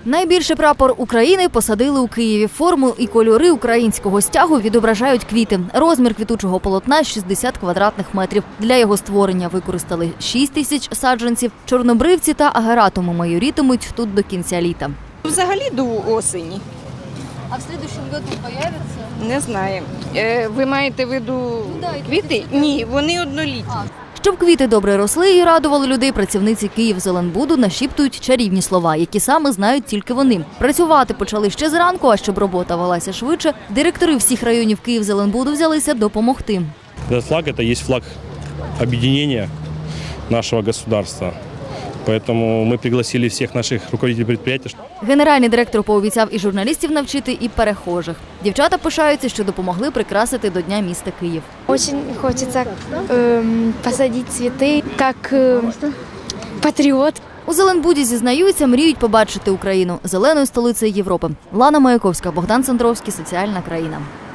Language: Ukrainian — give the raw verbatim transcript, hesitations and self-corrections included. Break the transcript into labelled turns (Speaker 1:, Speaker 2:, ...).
Speaker 1: Найбільший прапор України посадили у Києві. Форму і кольори українського стягу відображають квіти. Розмір квітучого полотна – шістдесят квадратних метрів. Для його створення використали шість тисяч саджанців. Чорнобривці та агератуми майорітимуть тут до кінця літа.
Speaker 2: Взагалі до осені.
Speaker 1: А в наступному році з'являться?
Speaker 2: Не знаю. Е, ви маєте в виду квіти? Ні, вони однолітні.
Speaker 1: Щоб квіти добре росли і радували людей, працівниці Київзеленбуду нашіптують чарівні слова, які саме знають тільки вони. Працювати почали ще зранку, а щоб робота велася швидше, директори всіх районів Київзеленбуду взялися допомогти.
Speaker 3: Этот флаг – это есть флаг объединения нашего государства. Поэтому мы пригласили всех наших руководителей предприятий.
Speaker 1: Генеральний директор пообіцяв і журналістів навчити, і перехожих. Дівчата пишаються, що допомогли прикрасити до Дня міста Київ.
Speaker 4: Очень хочется э, посадить цветы, как э, патриот.
Speaker 1: У Зеленбуді зізнаються, мріють побачити Україну зеленою столицею Європи. Лана Маяковська, Богдан Сандровський, Соціальна країна.